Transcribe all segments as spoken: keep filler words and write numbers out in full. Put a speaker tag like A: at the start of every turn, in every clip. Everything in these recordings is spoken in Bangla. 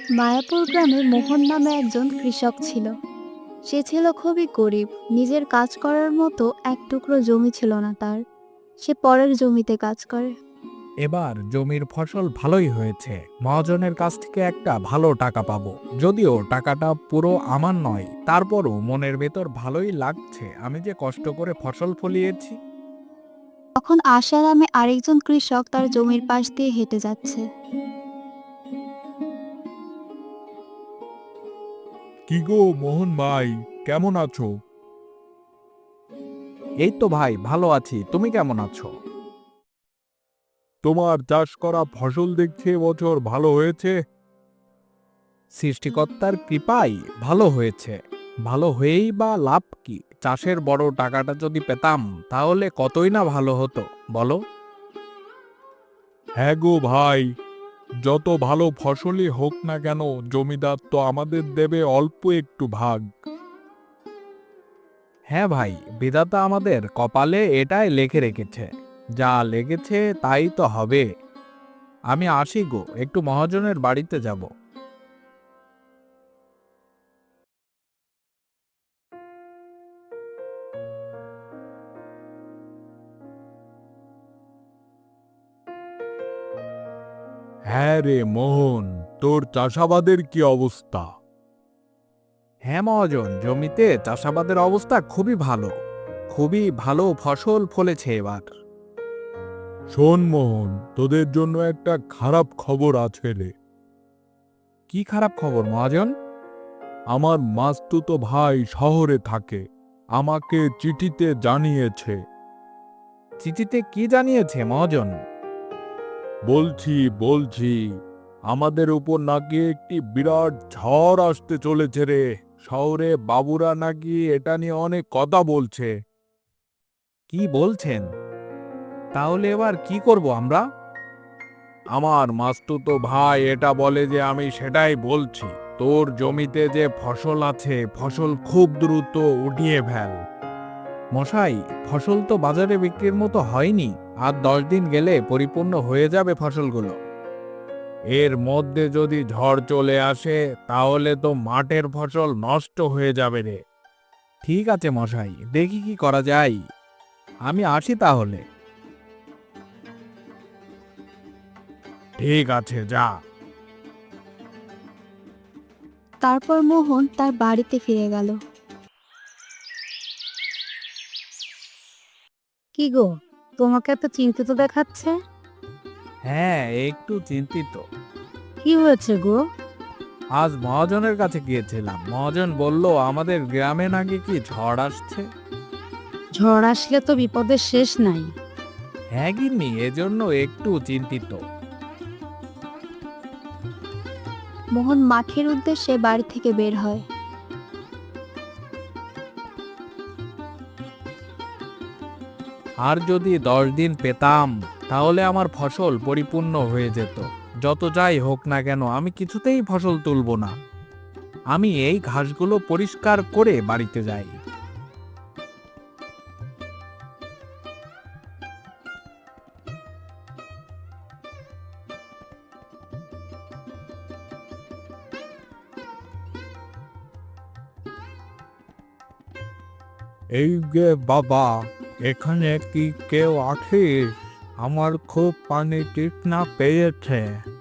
A: মায়াপুর গ্রামে মোহন নামে একজন কৃষক ছিল। সে ছিল খুবই গরিব। নিজের কাজ করার মতো এক টুকরো জমি ছিল না তার। সে পরের জমিতে কাজ করে।
B: এবার জমির ফসল ভালোই হয়েছে। মহাজনের কাছ থেকে একটা ভালো টাকা পাবো। যদিও টাকাটা পুরো আমার নয়, তারপরও মনের ভেতর ভালোই লাগছে আমি যে কষ্ট করে ফসল ফলিয়েছি।
A: তখন আশা নামে আরেকজন কৃষক তার জমির পাশ দিয়ে হেঁটে যাচ্ছে।
B: কি গো মোহন ভাই, কেমন আছো? এই তো ভাই, ভালো আছি। তুমি কেমন আছো? তোমার চাষ করা ফসল দেখছি এবছর ভালো হয়েছে। সৃষ্টিকর্তার কৃপায় ভালো হয়েছে। ভালো হয়েই বা লাভ কি? চাষের বড় টাকাটা যদি পেতাম তাহলে কতই না ভালো হতো, বলো। হ্যাঁ গো ভাই, যত ভালো ফসলই হোক না কেন জমিদার তো আমাদের দেবে অল্প একটু ভাগ। হ্যাঁ ভাই, বিধাতা আমাদের কপালে এটাই লেখে রেখেছে। যা লেগেছে তাই তো হবে। আমি আসি গো, একটু মহাজনের বাড়িতে যাব। হ্যাঁ রে মোহন, তোর চাষাবাদের কি অবস্থা? হ্যাঁ মহাজন, জমিতে চাষাবাদের অবস্থা খুবই ভালো। খুবই ভালো ফসল ফলেছে এবার। শোন মোহন, তোদের জন্য একটা খারাপ খবর আছে রে। কি খারাপ খবর মহাজন? আমার মাস্তুতো ভাই শহরে থাকে, আমাকে চিঠিতে জানিয়েছে। চিঠিতে কি জানিয়েছে মহাজন? বলছি বলছি আমাদের উপর নাকি একটি বিরাট ঝড় আসতে চলেছে রে। শহরে বাবুরা নাকি এটা নিয়ে অনেক কথা বলছে। কি বলছেন? তাহলে এবার কি করব আমরা? আমার মাস্তুতো ভাই এটা বলে যে আমি সেটাই বলছি। তোর জমিতে যে ফসল আছে ফসল খুব দ্রুত উঠিয়ে ফেল। মশাই, ফসল তো বাজারে বিক্রির মতো হয়নি। আর দশ দিন গেলে পরিপূর্ণ হয়ে যাবে ফসলগুলো। এর মধ্যে যদি ঝড় চলে আসে তাহলে তো মাঠের ফসল নষ্ট হয়ে যাবে রে। ঠিক আছে মশাই, দেখি কি করা যায়। আমি আসি তাহলে। ঠিক আছে, যা।
A: তারপর মোহন তার বাড়িতে ফিরে গেল। কি গো, তোমাকে এত চিন্তিত দেখাচ্ছে?
B: হ্যাঁ, একটু চিন্তিত।
A: কি হয়েছে গো?
B: আজ মহাজনের কাছে গিয়েছিলাম। মহাজন বলল আমাদের গ্রামে নাকি কি ঝড় আসছে।
A: ঝড় আসলে তো বিপদের শেষ নাই।
B: হ্যাঁ গিন্নি, এজন্য একটু চিন্তিত।
A: মোহন মাঠের উদ্দেশ্যে বাড়ি থেকে বের হয়।
B: আর যদি দশ দিন পেতাম তাহলে আমার ফসল পরিপূর্ণ হয়ে যেত। যত যাই হোক না কেন আমি কিছুতেই ফসল তুলব না। আমি এই ঘাসগুলো পরিষ্কার করে বাড়িতে যাই। এই যে বাবা, এখানে কি কেউ আছিস? আমার খুব পানি তৃষ্ণা পেয়েছে।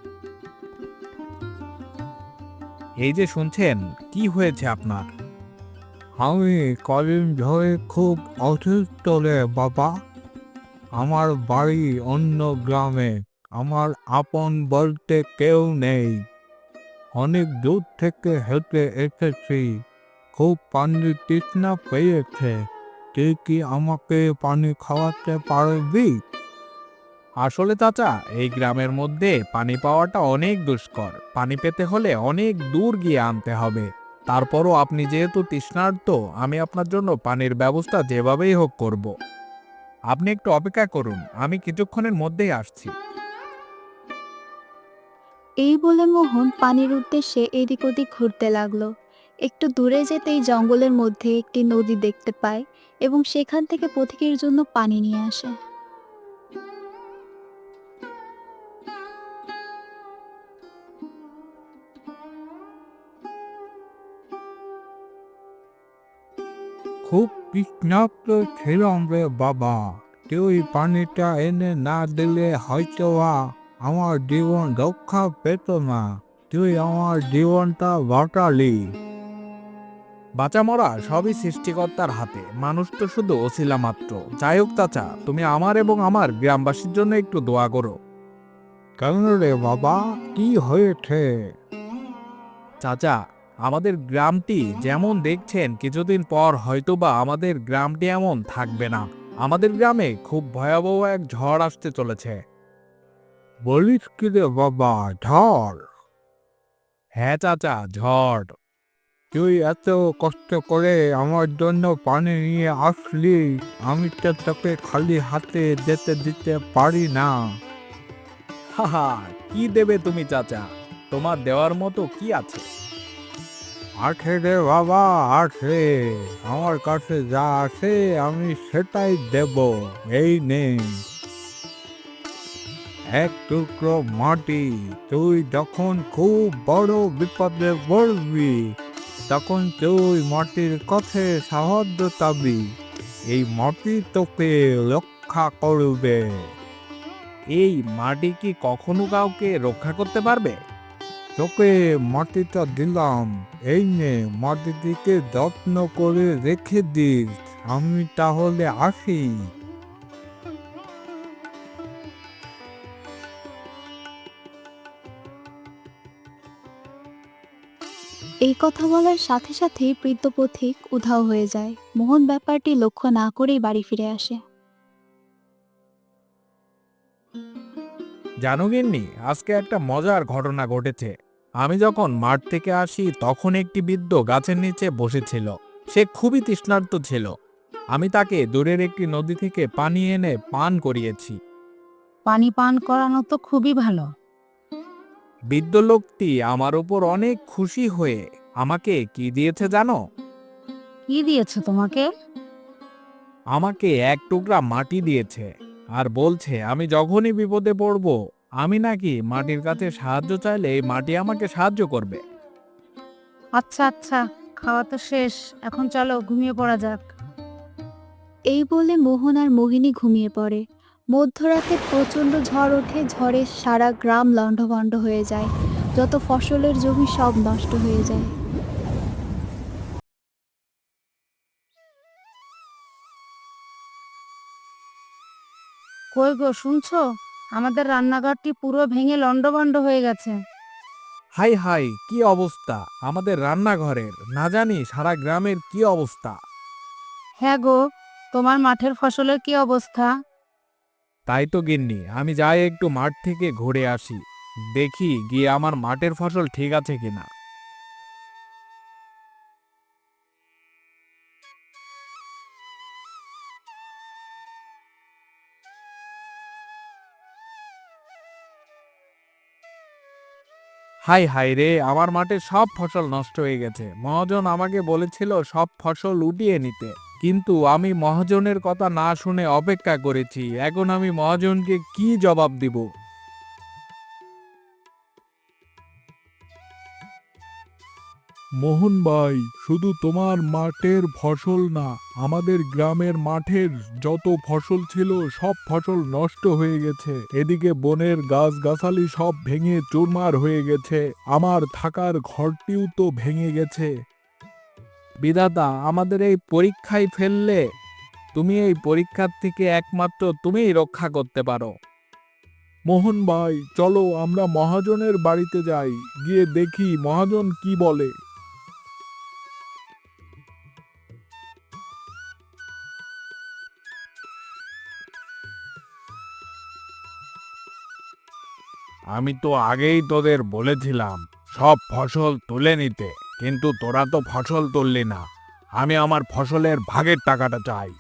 B: এই যে শুনছেন, কি হয়েছে আপনার? আমি কদিন ধরে খুব অসুস্থ রে বাবা। আমার বাড়ি অন্য গ্রামে। আমার আপন বলতে কেউ নেই। অনেক দূর থেকে হেঁটে এসেছি। খুব পানির তৃষ্ণা পেয়েছে। তুই কি আমাকে পানি খাওয়াতে পারবি? আসলে চাচা, এই গ্রামের মধ্যে পানি পাওয়াটা অনেক দুষ্কর। পানি পেতে হলে অনেক দূর গিয়ে আনতে হবে। তারপরও আপনি যেহেতু তৃষ্ণার্ত, আমি আপনার জন্য পানির ব্যবস্থা যেভাবেই হোক করব। আপনি একটু অপেক্ষা করুন, আমি কিছুক্ষণের মধ্যেই আসছি।
A: এই বলে মোহন পানির উদ্দেশ্যে এদিক ওদিক ঘুরতে লাগলো। একটু দূরে যেতেই জঙ্গলের মধ্যে একটি নদী দেখতে পায় এবং সেখান থেকে পথিকের জন্য পানি নিয়ে আসে।
B: খুব তৃষ্ণার্ত ছিলাম রে বাবা। তুই পানিটা এনে না দিলে হয়তো বা আমার জীবন রক্ষা পেত না। তুই আমার জীবনটা বাঁচালি। বাঁচা মরা সবই সৃষ্টিকর্তার হাতে, মানুষ তো শুধু ওসিলা মাত্র। যাই হোক চাচা, তুমি আমার এবং আমার গ্রামবাসীর জন্য একটু দোয়া করো। কেন রে বাবা, কি হয়েছে? চাচা, আমাদের গ্রামটি যেমন দেখছেন কিছুদিন পর হয়তোবা আমাদের গ্রামটি এমন থাকবে না। আমাদের গ্রামে খুব ভয়াবহ এক ঝড় আসতে চলেছে। বলিস কি রে বাবা, ঝড়? হ্যাঁ চাচা, ঝড়। তুই এত কষ্ট করে আমার জন্য পানি নিয়ে আসলি, আমি তো তোকে খালি হাতে যেতে দিতে পারি না। হাহা, কি দেবে তুমি চাচা? তোমার দেওয়ার মতো কি আছে? আছে রে বাবা, আছে। আমার কাছে যা আছে আমি সেটাই দেব। এই নে এক টুকরো মাটি। তুই যখন খুব বড় বিপদে পড়বি, তখন তুই মাটির কাছে সাহায্য চাবি। এই মাটি তোকে রক্ষা করবে। এই মাটি কি কখনো কাউকে রক্ষা করতে পারবে? তোকে মাটিটা দিলাম, এই নে মাটিটিকে যত্ন করে রেখে দিস। আমি তাহলে আসি।
A: এই কথা বলার সাথে সাথেই বৃদ্ধ পথিক উধাও হয়ে যায়। মোহন ব্যাপারটি লক্ষ্য না করেই বাড়ি ফিরে আসে।
B: জানো গিন্নি, আজকে একটা মজার ঘটনা ঘটেছে। আমি যখন মাঠ থেকে আসি তখন একটি বৃদ্ধ গাছের নিচে বসেছিল। সে খুবই তৃষ্ণার্ত ছিল। আমি তাকে দূরের একটি নদী থেকে পানি এনে পান করিয়েছি।
C: পানি পান করানো তো খুবই ভালো।
B: বৃদ্ধ লোকটি আমার উপর অনেক খুশি হয়ে আমাকে কি দিয়েছে জানো?
C: কি দিয়েছে তোমাকে?
B: আমাকে এক টুকরা মাটি দিয়েছে, আর বলছে আমি যখনই বিপদে পড়ব, আমি নাকি মাটির কাছে সাহায্য চাইলে এই মাটি আমাকে সাহায্য করবে।
C: আচ্ছা আচ্ছা, খাওয়া তো শেষ, এখন চলো ঘুমিয়ে পড়া যাক।
A: এই বলে মোহন আর মোহিনী ঘুমিয়ে পড়ে। মধ্যরাতে প্রচণ্ড ঝড় ওঠে। ঝড়ে সারা গ্রাম লণ্ডভণ্ড হয়ে যায়। যত ফসলের জমি সব নষ্ট হয়ে যায়।
C: কই গো, শুনছো? আমাদের রান্নাঘরটি পুরো ভেঙে লণ্ডভণ্ড হয়ে গেছে।
B: হাই হাই, কি অবস্থা আমাদের রান্নাঘরের! না জানি সারা গ্রামের কি অবস্থা।
C: হ্যাঁ গো, তোমার মাঠের ফসলের কি অবস্থা?
B: তাই তো গিন্নি, আমি যাই একটু মাঠ থেকে ঘুরে আসি, দেখি গিয়ে আমার মাঠের ফসল ঠিক আছে কিনা। হাই হাই রে, আমার মাঠের সব ফসল নষ্ট হয়ে গেছে। মহাজন আমাকে বলেছিল সব ফসল উঠিয়ে নিতে, কিন্তু আমি মহাজনের কথা না শুনে অপেক্ষা করেছি। এখন আমি মহাজনকে কি জবাব দিব? মোহন ভাই, শুধু তোমার মাঠের ফসল না, আমাদের গ্রামের মাঠের যত ফসল ছিল সব ফসল নষ্ট হয়ে গেছে। এদিকে বনের গাছগাছালি সব ভেঙে চুরমার হয়ে গেছে। আমার থাকার ঘরটিও তো ভেঙে গেছে। বিধাতা আমাদের এই পরীক্ষায় ফেললে, তুমি এই পরীক্ষার থেকে একমাত্র তুমিই রক্ষা করতে পারো। মোহন ভাই, চলো আমরা মহাজনের বাড়িতে যাই, গিয়ে দেখি মহাজন কি বলে। আমি তো আগেই তোদের বলেছিলাম সব ফসল তুলে নিতে, কিন্তু তোরা তো ফসল তুললি না। আমি আমার ফসলের ভাগের টাকাটা চাই।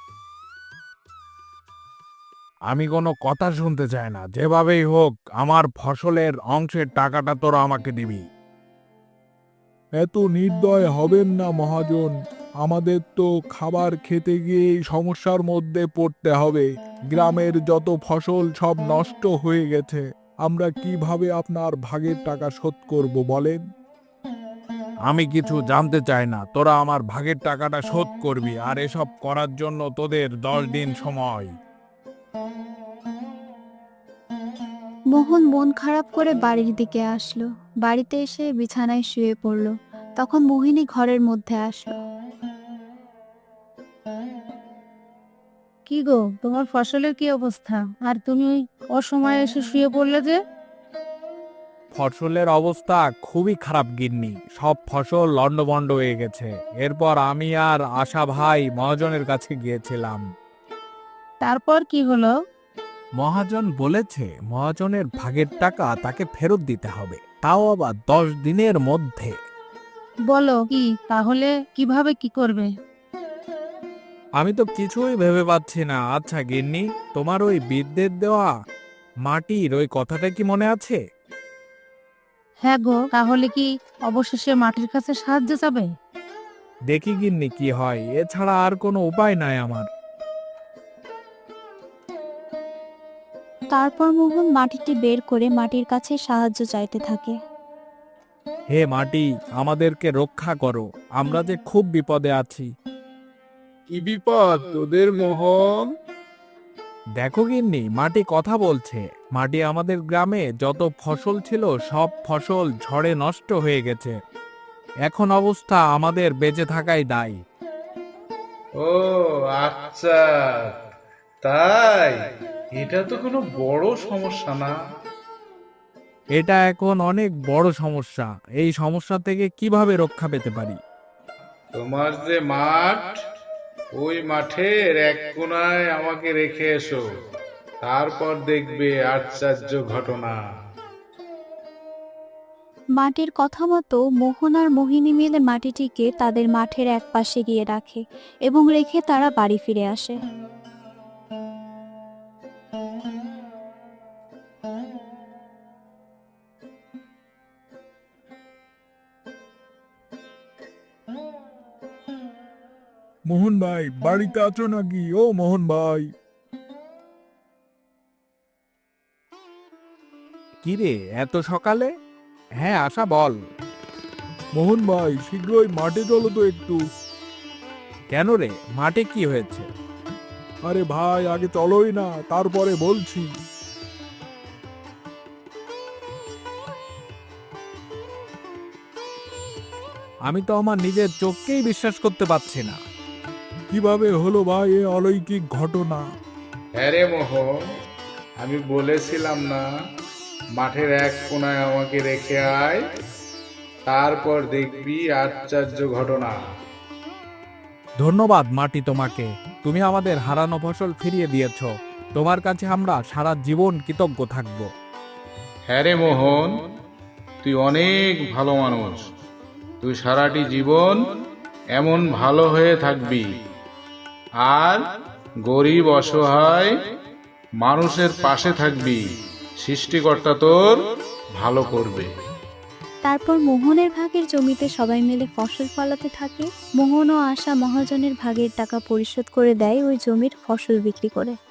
B: আমি কোনো কথা শুনতে চাই না, যেভাবেই হোক আমার ফসলের অংশের টাকাটা তোরা আমাকে দিবি। এত নির্দয় হবেন না মহাজন, আমাদের তো খাবার খেতে গিয়ে সমস্যার মধ্যে পড়তে হবে। গ্রামের যত ফসল সব নষ্ট হয়ে গেছে, আমরা কিভাবে আপনার ভাগের টাকা শোধ করব বলেন? আমি কিছু জানতে চাই না, তোরা আমার ভাগের টাকাটা শোধ করবি, আর এসব করার জন্য তোদের দশ দিন সময়।
A: মোহন মন খারাপ করে বাড়ির দিকে আসলো। বাড়িতে এসে বিছানায় শুয়ে পড়ল। তখন মোহিনী ঘরের মধ্যে আসলো।
C: কি গো, তোমার ফসলের কি অবস্থা? আর তুমি ওই অসময়ে এসে শুয়ে পড়লে যে?
B: ফসলের অবস্থা খুবই খারাপ গিন্নি, সব ফসল লণ্ডভণ্ড হয়ে গেছে। এরপর আমি আর আশা ভাই মহাজনের কাছে গিয়েছিলাম।
C: তারপর কি হলো?
B: মহাজন বলেছে মহাজনের ভাগের টাকা তাকে ফেরত দিতে হবে, তাও আবার দশ দিনের মধ্যে।
C: বলো কি, তাহলে কিভাবে কি করবে?
B: আমি তো কিছুই ভেবে পাচ্ছি না। আচ্ছা গিন্নি, তোমার ওই বিদ্যুৎ দেওয়া মাটির ওই কথাটা কি মনে আছে?
C: হ্যাঁ গো, তাহলে কি অবশেষে মাটির কাছে সাহায্য চাবে?
B: দেখি গিন্নি কি হয়, এছাড়া আর কোনো উপায় নাই আমার।
A: তারপর মোহন মাটিটি বের করে মাটির কাছে সাহায্য চাইতে থাকে।
B: হে মাটি, আমাদেরকে রক্ষা করো, আমরা যে খুব বিপদে আছি।
D: কি বিপদ তোদের মোহন?
B: দেখো গিন্নি, মাটি কথা বলছে। মাটি আমাদের গ্রামে যত ফসল ছিল সব ফসল ঝড়ে নষ্ট হয়ে গেছে। এখন অবস্থা আমাদের বেঁচে থাকাই দায়।
D: ও আচ্ছা, তাই? এটা তো কোনো বড় সমস্যা না।
B: এটা এখন অনেক বড় সমস্যা। এই সমস্যা থেকে কিভাবে রক্ষা পেতে পারি?
D: তোমার যে মাঠ, ওই মাঠের এক কোণায় আমাকে রেখে এসো, তারপর দেখবে আশ্চর্য ঘটনা।
A: মাটির কথা মতো মোহন আর মোহিনী মিলে মাটিটিকে তাদের মাঠের এক পাশে গিয়ে রাখে এবং রেখে তারা বাড়ি ফিরে আসে।
B: মোহন ভাই, বাড়িতে আছো নাকি? ও মোহন ভাই। কি রে, এত সকালে? হ্যাঁ আশা, বল। মোহন ভাই, শীঘ্রই মাঠে চলো তো একটু। কেন রে, মাঠে কি হয়েছে? আরে ভাই, আগে চলোই না, তারপরে বলছি। আমি তো আমার নিজের চোখকেই বিশ্বাস করতে পারছি না। কিভাবে হলো ভাই এ অলৌকিক ঘটনা?
D: হ্যাঁ রে মোহন, আমি বলেছিলাম না, মাঠের এক কোণায় আমাকে রেখে আয়, তারপর দেখবি আশ্চর্য ঘটনা।
B: ধন্যবাদ মাটি তোমাকে, তুমি আমাদের হারানো ফসল ফিরিয়ে দিয়েছ। তোমার কাছে আমরা সারা জীবন কৃতজ্ঞ থাকব।
D: হ্যাঁ রে মোহন, তুই অনেক ভালো মানুষ। তুই সারাটি জীবন এমন ভালো হয়ে থাকবি, আর গরিব অসহায় মানুষের পাশে থাকবি। সৃষ্টিকর্তা তোর ভালো করবে।
A: তারপর মোহনের ভাগের জমিতে সবাই মিলে ফসল ফলাতে থাকে। মোহন ও আশা মহাজনের ভাগের টাকা পরিশোধ করে দেয় ওই জমির ফসল বিক্রি করে।